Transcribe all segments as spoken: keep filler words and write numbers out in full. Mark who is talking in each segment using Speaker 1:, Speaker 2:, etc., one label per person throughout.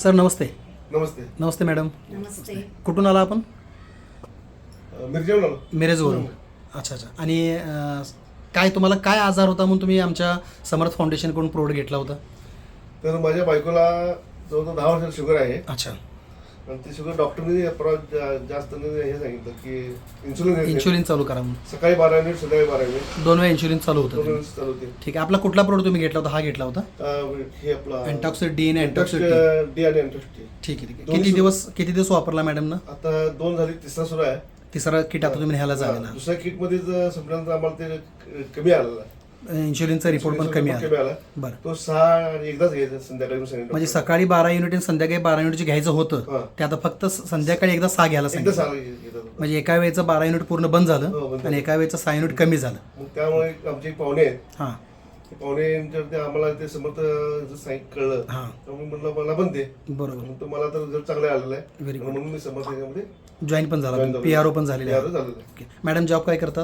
Speaker 1: Sir नमस्ते.
Speaker 2: नमस्ते.
Speaker 1: नमस्ते madam.
Speaker 3: नमस्ते.
Speaker 1: कुठून आला आपण?
Speaker 2: मिरजेवरून आलो.
Speaker 1: मिरजवरून. अच्छा अच्छा. आणि अं, काय तुम्हाला काय आजार होता म्हणून तुम्ही आमच्या समर्थ फाउंडेशनकडून प्रोडक्ट घेतला होता?
Speaker 2: तर माझ्या बायकोला जवळजवळ दहा वर्षाची शुगर आहे.
Speaker 1: अच्छा.
Speaker 2: आणि ते शुगर डॉक्टरने परत जास्त हे सांगितलं की इन्सुलिन
Speaker 1: इन्शुलिन चालू करा म्हणून.
Speaker 2: सकाळी बारा मिनिट संध्याकाळी बारा मिनिट
Speaker 1: दोन वेळा इन्शुलिन चालू
Speaker 2: दोन
Speaker 1: होतं.
Speaker 2: वेळेस चालू होते.
Speaker 1: ठीक आहे. आपला कुठला प्रोडक्ट तुम्ही घेतला होता? हा घेतला होता
Speaker 2: अं, हे आपला
Speaker 1: अँटॉक्सिड डी आणि अँटॉक्सिड टी.
Speaker 2: डी आणि अँटॉक्सिड.
Speaker 1: ठीक आहे ठीक आहे. किती दिवस किती दिवस वापरला मॅडम ना?
Speaker 2: आता दोन झाली, तिसरा सुरू आहे.
Speaker 1: तिसरा किट आता तुम्ही न्यायला जायला.
Speaker 2: दुसऱ्या किट मध्ये संपल्यानंतर आम्हाला ते कमी आलेला.
Speaker 1: इन्शुलिनचा रिपोर्ट पण कमी आला.
Speaker 2: आला.
Speaker 1: बरं.
Speaker 2: तो सहा आणि एकदाच घ्यायचा संध्याकाळी सांगितलं.
Speaker 1: म्हणजे सकाळी बारा युनिट आणि संध्याकाळी बारा युनिट जे घ्यायचं होतं
Speaker 2: हां.
Speaker 1: ते आता फक्त संध्याकाळी एकदा सहा घ्यायला
Speaker 2: एकदा
Speaker 1: सांगितलं.
Speaker 2: सहा घेतात.
Speaker 1: म्हणजे एका वेळेचं बारा युनिट पूर्ण बंद
Speaker 2: हो,
Speaker 1: झालं
Speaker 2: बंद
Speaker 1: आणि एका वेळेचं सहा युनिट कमी झालं.
Speaker 2: मग त्यामुळे आमचे एक पाहुणे आहेत.
Speaker 1: हां
Speaker 2: ते पाहुणे ते आम्हाला ते समर्थ सांगितलं कळलं.
Speaker 1: हां.
Speaker 2: त्यामुळे म्हणलं मला पण दे.
Speaker 1: बरोबर.
Speaker 2: मग तो मला तर रिझल्ट चांगला आलेला आहे.
Speaker 1: Very good.
Speaker 2: म्हणून मी समर्थ याच्यामध्ये
Speaker 1: जॉईन पण झाला,
Speaker 2: join झालो.
Speaker 1: पी आर ओ पण झालेले
Speaker 2: P R O
Speaker 1: आहे.
Speaker 2: झालेलं आहे.
Speaker 1: ओके. मॅडम जॉब काय करतात?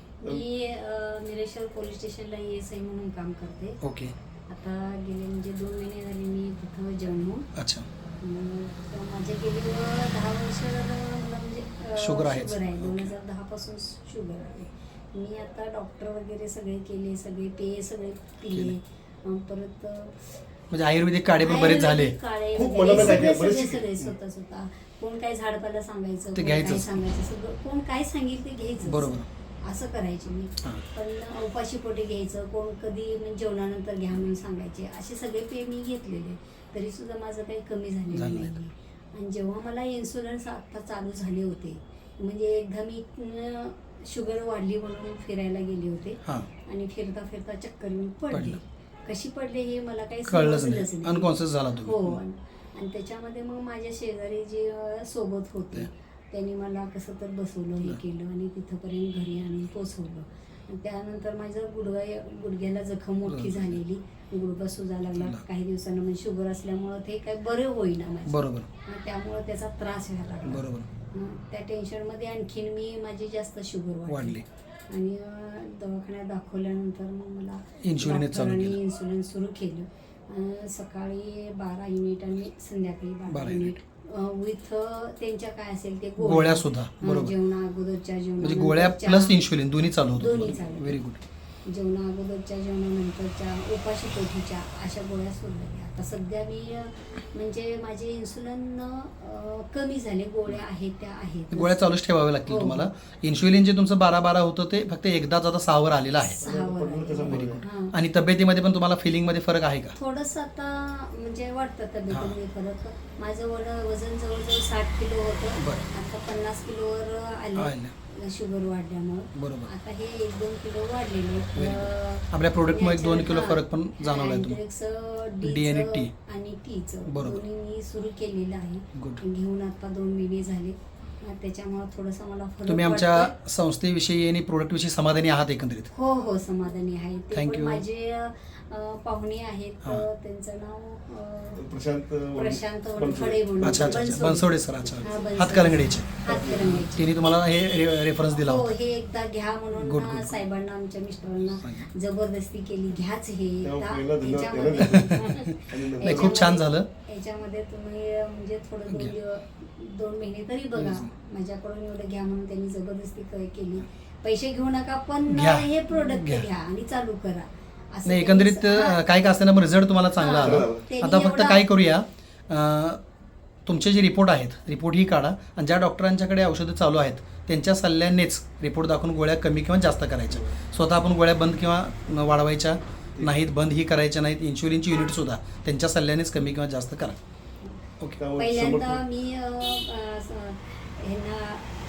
Speaker 3: मी अ, निरेश्वर पोलीस स्टेशनला ए एस आय म्हणून काम करते.
Speaker 1: ओके.
Speaker 3: आता गेले म्हणजे दोन महिने झाले मी तिथं जॉईन होऊन.
Speaker 1: अच्छा.
Speaker 3: मग तर माझे गेले दहा वर्ष मला म्हणजे अ,
Speaker 1: शुगर आहेच.
Speaker 3: शुगर आहे. दोन हजार दहा पासून शुगर आहे. मी आता डॉक्टर वगैरे सगळे केले, सगळे पेय सगळे पिले. अ, परत अ,
Speaker 1: म्हणजे आयुर्वेदिक काढे पण बरेच झाले.
Speaker 3: आयुर्वेदिक काढे
Speaker 2: खूप
Speaker 3: वगैरे
Speaker 2: मनाला
Speaker 3: सगळे
Speaker 2: लागले, बरेच
Speaker 3: सगळे
Speaker 2: शिकले.
Speaker 3: सगळे स्वतः स्वतः कोण काय झाडपाला सांगायचं,
Speaker 1: ते
Speaker 3: कोण काय
Speaker 1: घ्यायचंच.
Speaker 3: सांगायचं, सगळं कोण काय सांगेल ते घ्यायचं.
Speaker 1: बरोबर.
Speaker 3: असं करायचे मी.
Speaker 1: हां.
Speaker 3: पण उपाशी पोटी घ्यायचं, कोण कधी म्हणजे जेवणानंतर घ्या म्हणून सांगायचे. असे सगळे पेय मी घेतलेले, तरी सुद्धा माझं काही कमी झालेलं
Speaker 1: झालं
Speaker 3: नाही.
Speaker 1: नाही.
Speaker 3: आणि जेव्हा मला इन्शुरन्स आत्ता चालू झाले होते, म्हणजे एकदा मी अं, शुगर वाढली म्हणून फिरायला गेले होते
Speaker 1: हां.
Speaker 3: आणि फिरता फिरता चक्कर येऊन पडले.
Speaker 1: पडलं.
Speaker 3: कशी पडले हे मला काही
Speaker 1: कळलंच
Speaker 3: समजलंच
Speaker 1: नाही. अनकॉन्शियस झाला
Speaker 3: हो.
Speaker 1: तुम्ही.
Speaker 3: आणि आणि त्याच्यामध्ये मग माझ्या शेजारी जे अं, सोबत होते त्यांनी मला कसं तर बसवलं, हे केलं आणि तिथंपर्यंत घरी आणून पोचवलं. आणि त्यानंतर माझं गुडघा गुडघ्याला जखम मोठी झालेली, गुडघा सुजा लागला काही दिवसानं. म्हणजे शुगर असल्यामुळं ते काही बरं होईना माझं.
Speaker 1: बरोबर.
Speaker 3: आणि त्यामुळं त्याचा त्रास व्हायला लागला.
Speaker 1: बरोबर.
Speaker 3: हं, त्या टेन्शनमध्ये आणखीन मी माझी जास्त शुगर
Speaker 1: वाढली.
Speaker 3: वाढली. आणि अं, दवाखान्यात दाखवल्यानंतर मग मला
Speaker 1: इन्शुलिनच चालू
Speaker 3: डॉक्टरांनी
Speaker 1: केलं.
Speaker 3: इन्शुलिन सुरू केलं. अं, सकाळी बारा युनिट आणि संध्याकाळी बारा
Speaker 1: बारा
Speaker 3: युनिट विथ त्यांच्या काय असेल ते
Speaker 1: गोळ्या सुद्धा.
Speaker 3: हं,
Speaker 1: बरोबर.
Speaker 3: जेवणा अगोदरच्या जेवणा
Speaker 1: म्हणजे गोळ्या प्लस इन्शुलिन दोन्ही चालू होतं.
Speaker 3: दोन्ही चालू.
Speaker 1: Very good.
Speaker 3: जेवणा अगोदरच्या जेवणानंतरच्या उपाशी पोटीच्या अशा गोळ्या सोडल्या. आता सध्या मी अं, म्हणजे माझे इन्सुलिन अं, कमी झाले. गोळ्या आहेत त्या आहेत.
Speaker 1: गोळ्या चालूच ठेवाव्या लागतील
Speaker 3: हो.
Speaker 1: तुम्हाला. इन्शुलिन जे तुमचं बारा बारा होतं ते फक्त एकदाच आता सहावर आलेलं आहे.
Speaker 3: सहावर
Speaker 2: Very
Speaker 3: आले.
Speaker 2: good.
Speaker 3: हां.
Speaker 1: आणि तब्येतीमध्ये पण तुम्हाला फिलिंगमध्ये फरक आहे का?
Speaker 3: थोडंसं आता म्हणजे वाटतं तब्येतीमध्ये फरक. माझं वड वजन जवळजवळ साठ किलो होतं.
Speaker 1: बरं.
Speaker 3: आता पन्नास किलोवर आले
Speaker 1: आलं.
Speaker 3: शुगर वाढल्यामुळं.
Speaker 1: बरोबर.
Speaker 3: आता हे एक दोन किलो वाढलेले आहेत.
Speaker 1: Very
Speaker 3: अं,
Speaker 1: आपल्या प्रोडक्टमुळे एक दोन किलो
Speaker 3: हां.
Speaker 1: फरक पण जाणवला आहे तुम्हाला.
Speaker 3: अँड्रेक्स,
Speaker 1: डी
Speaker 3: डीचं
Speaker 1: आणि टी.
Speaker 3: आणि टीचं
Speaker 1: बरोबर.
Speaker 3: दोन्ही मी सुरू केलेलं आहे.
Speaker 1: Good.
Speaker 3: घेऊन आता दोन महिने झाले. अं, त्याच्यामुळं थोडंसं मला फरक
Speaker 1: तुम्ही आमच्या
Speaker 3: वाटतोय.
Speaker 1: संस्थेविषयी आणि प्रोडक्टविषयी समाधानी आहात एकंदरीत?
Speaker 3: हो हो समाधानी आहे. ते
Speaker 1: Thank
Speaker 3: पण
Speaker 1: you.
Speaker 3: माझे अं, पाहुणे आहेत.
Speaker 1: हां.
Speaker 3: अं, त्यांचं नाव अं,
Speaker 2: प्रशांत
Speaker 3: प्रशांत
Speaker 2: बनसोडे.
Speaker 3: वनखडे म्हणून.
Speaker 1: अच्छा अच्छा अच्छा. बनसोडे सर. अच्छा.
Speaker 3: हां, बनसोडे.
Speaker 1: हातकलंगडीचे.
Speaker 3: हातकलंगडीचे.
Speaker 1: तिने तुम्हाला हे रे- रेफरन्स दिला
Speaker 3: हो
Speaker 1: होता.
Speaker 3: हे एकदा घ्या म्हणून
Speaker 1: Good,
Speaker 3: ना
Speaker 1: good, good.
Speaker 3: साहेबांना आमच्या मिस्टरांना
Speaker 1: सांगितलं.
Speaker 3: जबरदस्ती केली, घ्याच हे
Speaker 2: तेव्हा
Speaker 3: एकदा.
Speaker 2: पहिला धन्यवाद
Speaker 3: याच्यामध्ये-
Speaker 2: त्याला द्या.
Speaker 1: नाही, खूप छान झालं.
Speaker 3: याच्यामध्ये तुम्ही अं, म्हणजे थोडं दोन
Speaker 1: घ्या.
Speaker 3: दिवस दोन महिने तरी बघा.
Speaker 1: Yes.
Speaker 3: माझ्याकडून एवढं घ्या म्हणून त्यांनी जबरदस्ती क- केली. पैसे घेऊ नका पण
Speaker 1: घ्या.
Speaker 3: हे प्रोडक्ट
Speaker 1: घ्या.
Speaker 3: घ्या आणि चालू करा. असं
Speaker 1: नाही एकंदरीत
Speaker 3: त्यांनी- हां.
Speaker 1: काय का असताना रिझल्ट तुम्हाला चांगला
Speaker 3: हां.
Speaker 1: आला.
Speaker 3: त्यांनी
Speaker 1: आता फक्त
Speaker 3: एवढा-
Speaker 1: काय करूया, अं, तुमचे जे रिपोर्ट आहेत रिपोर्ट ही काढा आणि ज्या डॉक्टरांच्याकडे औषधं चालू आहेत त्यांच्या सल्ल्यानेच रिपोर्ट दाखवून गोळ्या कमी किंवा जास्त करायच्या. स्वतः आपण गोळ्या बंद किंवा वाढवायच्या नाहीत, बंद ही करायच्या नाहीत. इन्शुलिनची युनिटसुद्धा त्यांच्या सल्ल्यानेच कमी किंवा जास्त करा. ओके.
Speaker 2: त्यामुळे
Speaker 3: पहिल्यांदा
Speaker 2: समर्थ-
Speaker 3: मी अं, अं, स- ह्यांना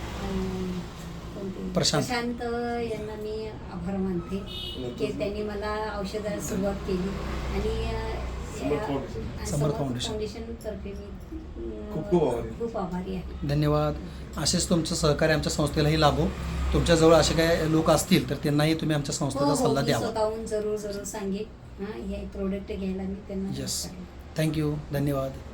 Speaker 3: अं, कोणते?
Speaker 1: प्रशांत.
Speaker 3: प्रशांत यांना मी आभार मानते की त्यांनी मला औषधाला सुरुवात केली. आणि अं,
Speaker 2: समर्थ
Speaker 3: या-
Speaker 2: foundation.
Speaker 3: Samarth
Speaker 1: Samarth foundation.
Speaker 3: Foundation तर्फे मी अं,
Speaker 2: खूप खूप आभारी.
Speaker 3: खूप आभारी आहे.
Speaker 1: धन्यवाद. असेच तुमचं सहकार्य आमच्या संस्थेलाही लाभो. तुमच्याजवळ असे काय लोक असतील तर त्यांनाही तुम्ही आमच्या
Speaker 3: हो
Speaker 1: संस्थेचा
Speaker 3: हो
Speaker 1: सल्ला
Speaker 3: मी
Speaker 1: द्यावा.
Speaker 3: स्वतःहून जरूर जरूर सांगेन. हां हे प्रोडक्ट घ्यायला मी त्यांना
Speaker 1: Yes.
Speaker 3: सांगेन.
Speaker 1: थँक्यू. धन्यवाद.